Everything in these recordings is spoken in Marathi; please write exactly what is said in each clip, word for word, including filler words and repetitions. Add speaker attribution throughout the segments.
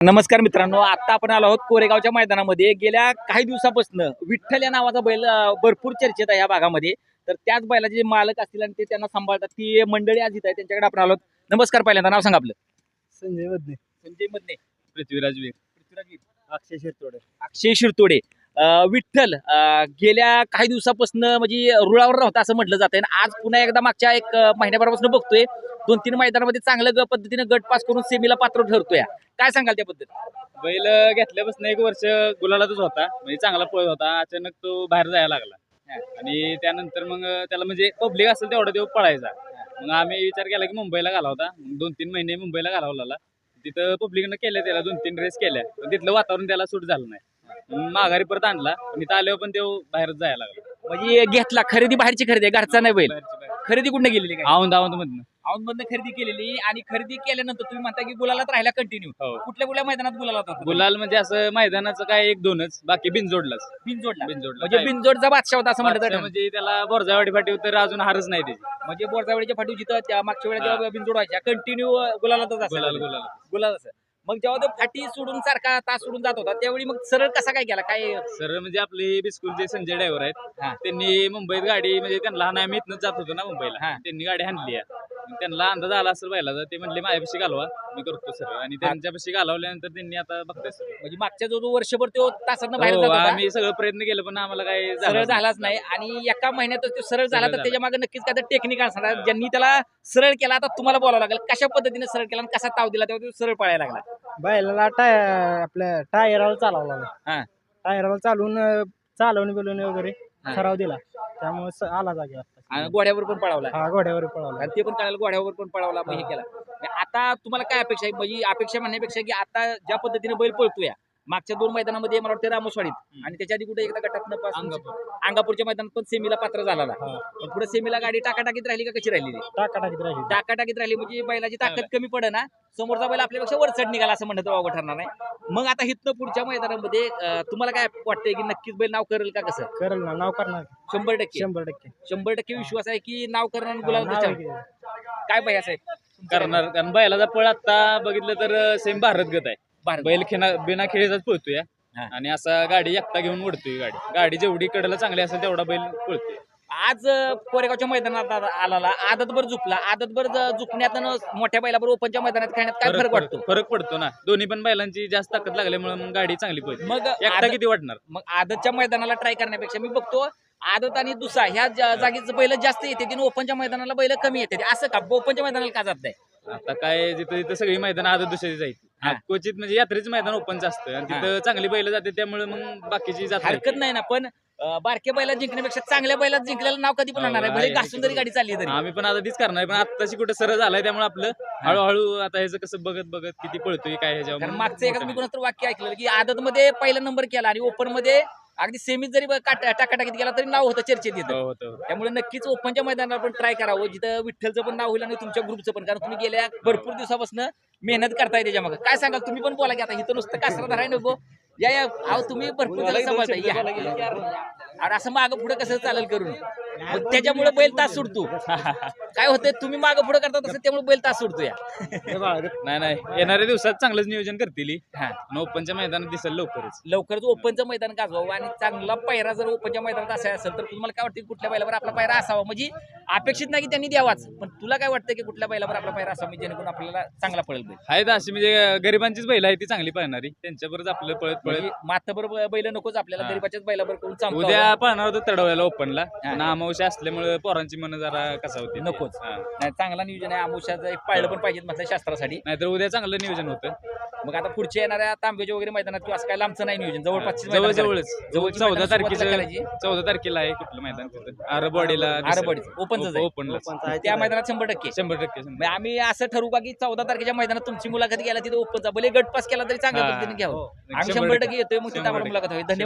Speaker 1: नमस्कार मित्रांनो, आता आपण आलो आहोत कोरेगावच्या मैदानामध्ये. गेल्या काही दिवसापासून विठ्ठल या नावाचा बैल अं, भरपूर चर्चेत आहे या भागामध्ये. तर त्याच बैलाचे जे मालक असतील आणि ते त्यांना सांभाळतात ती मंडळी आज इथं आहे, त्यांच्याकडे आपण आलो आहोत. नमस्कार, पहिल्यांदा नाव सांगा आपलं.
Speaker 2: संजय मधने,
Speaker 1: संजय मधने,
Speaker 2: पृथ्वीराज वीर,
Speaker 1: पृथ्वीराज वीर,
Speaker 2: अक्षय शिरतोडे.
Speaker 1: अक्षय शिरतोडे. अं, विठ्ठल अं, गेल्या काही दिवसापासून म्हणजे रुळावर राहता असं म्हटलं जातं आणि आज पुन्हा एकदा मागच्या एक अं, महिन्याभरापासून बघतोय दोन तीन मैदानामध्ये चांगलं ग पद्धतीने गट पास करून सेमीला पात्र ठरतोय. काय सांगाल त्याबद्दल?
Speaker 2: बैल घेतल्यापासून एक वर्ष गुलालातच होता, म्हणजे चांगला पळत होता. अचानक तो बाहेर जायला लागला आणि त्यानंतर मग त्याला म्हणजे पब्लिक असेल तेवढा तो पळायचा. मग आम्ही विचार केला की मुंबईला घालावता. दोन तीन महिने मुंबईला घालवला. तिथं पब्लिकनं केल्या, त्याला दोन तीन रेस केल्या, पण तिथलं वातावरण त्याला सूट झालं नाही. मग माघारी परत आणला, पण इथं आल्यावर पण तो बाहेरच जायला लागला.
Speaker 1: म्हणजे घेतला, खरेदी बाहेरची खरेदी आहे, घरचा नाही बैल.
Speaker 2: बाहेरची बाहेर.
Speaker 1: खरेदी कुठं गेलेली काय?
Speaker 2: औंध औंध मधनं.
Speaker 1: औंध मधनं खरेदी केलेली आणि खरेदी केल्यानंतर तुम्ही म्हणता की गुलालात राहिला कंटिन्यू.
Speaker 2: हो.
Speaker 1: कुठल्या कुठल्या मैदानात गुलालात होता?
Speaker 2: गुलाल म्हणजे असं मैदानाचं काय एक दोनच, बाकी बिनजोडलाच.
Speaker 1: बिनजोडला.
Speaker 2: बिनजोडला
Speaker 1: म्हणजे
Speaker 2: काय?
Speaker 1: बिनजोडचा बादशाह होता असं म्हणतात.
Speaker 2: बादशाह म्हणजे त्याला बोरजावाडी फाटी तर अजून हारच नाही त्याची.
Speaker 1: म्हणजे बोरजावळीच्या फाटी जिथं त्या मागच्या वेळेला
Speaker 2: हा.
Speaker 1: जेव्हा बिनजोड व्हायच्या कंटिन्यू गुलालातच
Speaker 2: गुलाल
Speaker 1: असायचा.
Speaker 2: गुलाल
Speaker 1: गुलाल असं. मग जेव्हा तो फाटी सोडून सारखा तास सोडून जात होता त्यावेळी मग सरळ कसा काय केला काय?
Speaker 2: सर म्हणजे आपले बिस्कुलचे संजय ड्रायव्हर आहेत.
Speaker 1: हा.
Speaker 2: त्यांनी मुंबईत गाडी म्हणजे त्यांना लहान आम्ही इथनच जात होतो ना मुंबईला.
Speaker 1: हा.
Speaker 2: त्यांनी गाडी आणली आहे. मग त्यांना अंदाज आला असेल बैलाचा. ते म्हणले माझ्यापाशी घालवा, मी करतो सर. आणि त्यांच्यापाशी घालवल्यानंतर त्यांनी आता बघताय सर.
Speaker 1: म्हणजे मागच्या जो जो वर्षभर तो तासातनं बाहेर
Speaker 2: हो,
Speaker 1: जात होता
Speaker 2: आम्ही सगळं प्रयत्न केलं पण आम्हाला काही
Speaker 1: सरळ झालाच नाही आणि एका महिन्यातच तो सरळ झाला. तर
Speaker 2: झाला.
Speaker 1: त्याच्या मागे नक्कीच काय तर टेक्निक असणार ज्यांनी त्याला सरळ केला. आता तुम्हाला बोलावं लागेल कशा पद्धतीने सरळ केला आणि कसा ताव दिला तेव्हा तो सरळ पळायला लागला.
Speaker 3: बैलाला टाय आपल्या टायराला चालवला
Speaker 1: हा.
Speaker 3: टायराला चालवून अं, चालवणी बिलवणी वगैरे
Speaker 1: हा.
Speaker 3: सराव दिला, त्यामुळे स- आला जागी
Speaker 1: आणि घोड्यावर पण पळावला
Speaker 3: हा घोड्यावर पळवला.
Speaker 1: आणि ते पण कळायला घोड्यावर पण पळावला. मग हे केला. म्हणजे आता तुम्हाला काय अपेक्षा आहे? म्हणजे अपेक्षा म्हणण्यापेक्षा की आता ज्या पद्धतीने बैल पळतोय मागच्या दोन मैदानामध्ये मला वाटतं रामोसवाडीत आणि त्याच्या आधी कुठे एकदा गटातनं पास
Speaker 2: अंगापूर.
Speaker 1: अंगापूरच्या मैदानात पण सेमीला पात्र झाला ना.
Speaker 3: हा.
Speaker 1: पण पुढे सेमीला गाडी टाकाटाकीत राहिली का कशी राहिली?
Speaker 3: टाकाटाकीत राहिली.
Speaker 1: टाकाटाकीत राहिली म्हणजे बैलाची ताकद कमी पडे ना. समोरचा बैल आपल्यापेक्षा वरचढ निघाला असं म्हणत वावगं ठरणार नाही. मग आता हिथनं पुढच्या मैदानामध्ये अं, तुम्हाला काय वाटतंय की नक्कीच बैल नाव करेल का? कसं
Speaker 3: करेल ना, नाव करणार
Speaker 1: शंभर टक्के
Speaker 3: शंभर टक्के
Speaker 1: शंभर टक्के विश्वास आहे की नाव करणार आणि
Speaker 3: हा,
Speaker 1: गुलाल
Speaker 3: नाव
Speaker 1: त्याच्यावर?
Speaker 3: आहे की-
Speaker 1: काय भैया साहेब
Speaker 2: करणार. कारण बैलाचा पळ आता बघितलं तर सेम भारत गत आहे.
Speaker 1: भारत.
Speaker 2: बैल खेळा बिना खेळीचाच पळतोय
Speaker 1: हा.
Speaker 2: आणि असा गाडी एकटा घेऊन ओढतोय. गाडी गाडी जेवढी कडेला चांगली असेल तेवढा बैल पळतोय.
Speaker 1: आज अं, कोरेगावच्या मैदानात आ- आला आदतभर झुकला. आदतभर ज- झुकण्यात आणि मोठ्या बैलाबरोबर ओपनच्या मैदानात खेळण्यात काय फरक वाटतो?
Speaker 2: फरक पडतो ना. दोन्ही पण बैलांची जास्त ताकद लागल्यामुळे मग गाडी चांगली पळते.
Speaker 1: मग
Speaker 2: एकटा
Speaker 1: आदत-
Speaker 2: किती वाटणार?
Speaker 1: मग आदतच्या मैदानाला ट्राय करण्यापेक्षा मी बघतो आदत आणि दुसरा ह्या ज- जागेचं बैल जास्त येते आणि ओपनच्या मैदानाला बैल कमी येते. असं का ओपनच्या मैदानाला का जात नाही?
Speaker 2: आता काय जिथं जिथं सगळी मैदान आदत दुसरी जायची.
Speaker 1: हा.
Speaker 2: क्वचित म्हणजे यात्रेचं मैदान ओपनचं असतं आणि तिथं चांगली बैल जाते, त्यामुळे मग बाकीची जात नाही.
Speaker 1: हरकत नाही ना. पण अं, बारक्या बैलात जिंकण्यापेक्षा चांगल्या बैलात जिंकलेलं नाव कधी पण होणार आहे.
Speaker 2: हो,
Speaker 1: भले
Speaker 2: आहे.
Speaker 1: घासून जरी गाडी चालली तरी.
Speaker 2: आम्ही पण आता तीच करणार, पण आत्ताची कुठं सरळ झालाय त्यामुळे आपलं हळूहळू आता ह्याचं कसं बघत बघत किती पळतोय काय ह्याच्यावर
Speaker 1: कारण
Speaker 2: मग
Speaker 1: मागचं एकाच मी
Speaker 2: मोठं
Speaker 1: कोणाचं तर वाक्य ऐकलेलं की आदत मध्ये पहिला नंबर केला आणि ओपन मध्ये अगदी सेमीत जरी ब- काट- टाकाटाकीत गेला तरी नाव होतं चर्चेत
Speaker 2: नाही.
Speaker 1: येतं.
Speaker 2: हो, होतं, होतं.
Speaker 1: त्यामुळे नक्कीच ओपनच्या मैदानावर पण ट्राय करावं जिथं विठ्ठलचं पण नाव होईल आणि तुमच्या ग्रुपचं पण. कारण तुम्ही गेल्या भरपूर दिवसापासून मेहनत करताय त्याच्या मागे. काय सांगाल तुम्ही पण बोला की आता इथं नुसतं कासरा धराय नको. या या अहो तुम्ही भरपूर जण सांभाळताय या. आणि असं मागं पुढे कसं चालेल करून मग त्याच्यामुळे बैल तास सुटतो. काय होतंय तुम्ही मागं पुढे करता तसं त्यामुळे बैल तास सुटतो या.
Speaker 2: नाही नाही येणाऱ्या दिवसात चांगलंच नियोजन करतील ही.
Speaker 1: हा.
Speaker 2: आणि ओपनच्या मैदानात दिसेल लवकरच.
Speaker 1: लवकरच ओपनचं मैदान गाजवावं आणि चांगला पैरा जर ओपनच्या मैदानात असायला असेल तर तुम्हाला काय वाटतं की कुठल्या बैलावर आपला पैरा असावा? म्हणजे अपेक्षित नाही की त्यांनी द्यावाच, पण तुला काय वाटतं की कुठल्या बैलावर आपला पैरा असावा म्हणजे जेणेकरून आपल्याला चांगला पळेल बैल?
Speaker 2: आहेत अशी म्हणजे गरिबांचीच बैल आहे ती चांगली पळणारी, त्यांच्यावरच आपलं पळत पळत.
Speaker 1: म्हणजे माथाभर बैल नकोच आपल्याला,
Speaker 2: हा.
Speaker 1: गरीबाच्याच बैलावर करून चांगलं
Speaker 2: उद्या पळणार होतं तडवायला ओपनला, पण अमावस्या असल्यामुळे पोरांची मन जरा कसा होती
Speaker 1: नकोच. नाही चांगला नियोजन आहे. आमुष्याचं एक पाळलं पण पाहिजे म्हटलं शास्त्रासाठी.
Speaker 2: नाहीतर उद्या चांगलं नियोजन होतं.
Speaker 1: मग आता पुढच्या येणाऱ्या तांब्याच्या वगैरे मैदानात किंवा असं काय लांबचं नाही नियोजन, जवळपास
Speaker 2: जवळ जवळच
Speaker 1: जवळची
Speaker 2: चौदा
Speaker 1: मैदानं
Speaker 2: तारखेचं
Speaker 1: सुरुवातीला करायची.
Speaker 2: चौदा तारखेला आहे कुठलं मैदान तिथं आरबवाडीला
Speaker 1: आरबवाडी ओपनच आहे.
Speaker 2: ओपनला
Speaker 1: त्या मैदानात शंभर टक्के
Speaker 2: शंभर टक्के
Speaker 1: म्हणजे आम्ही असं ठरवू का की चौदा तारखेच्या मैदानात तुमची मुलाखत घ्यायला तिथे ओपनचा भले गट पास केला तरी चांगल्या
Speaker 2: हा.
Speaker 1: पद्धतीने घ्यावं.
Speaker 2: हो.
Speaker 1: आम्ही शंभर टक्के येतोय मग तिथे आम्हाला मुलाखत हवी. धन्यवाद.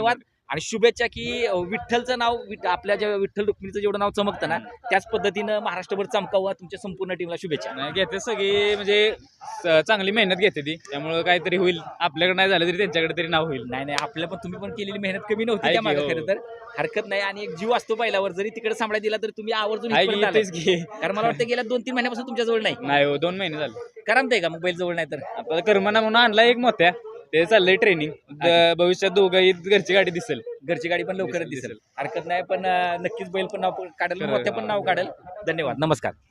Speaker 1: आणि शुभेच्छा की अं, विठ्ठलचं नाव विठ- आपल्या ज्या विठ्ठल रुक्मिणीचं जेवढं नाव चमकतं ना त्याच पद्धतीनं महाराष्ट्रभर चमकावं तुमच्या संपूर्ण टीमला शुभेच्छा.
Speaker 2: नाही घेते सगळी म्हणजे स- चांगली मेहनत घेते ती, त्यामुळे काहीतरी होईल. आपल्याकडे नाही झालं तरी त्यांच्याकडे तरी नाव होईल.
Speaker 1: नाही नाही आपल्या पण तुम्ही पण केलेली मेहनत कमी नव्हती
Speaker 2: आहे
Speaker 1: त्या
Speaker 2: की,
Speaker 1: मागे
Speaker 2: हो.
Speaker 1: खरं तर हरकत नाही आणि एक जीव असतो बैलावर जरी तिकडे सांभाळा दिला तर तुम्ही आवर्जून
Speaker 2: आहे
Speaker 1: इथपर्यंत
Speaker 2: की
Speaker 1: आलाय.
Speaker 2: तेच घे.
Speaker 1: कारण मला वाटतं गेल्या दोन तीन महिन्यापासून तुमच्या जवळ नाही
Speaker 2: नाही हो, दोन महिने झाले.
Speaker 1: करमतंय का मग बैल जवळ नाही तर
Speaker 2: आपल्याला कर्मना म्हणून आणला एक मोठ्या, ते चाललंय ट्रेनिंग. भविष्यात दोघंही घरची गाडी दिसेल.
Speaker 1: घरची गाडी पण लवकरच
Speaker 2: दिसेल,
Speaker 1: दिसेल हरकत नाही पण अं, नक्कीच बैल पण नाव काढेल
Speaker 2: खरं.
Speaker 1: मोठ्या पण नाव काढेल. धन्यवाद नमस्कार.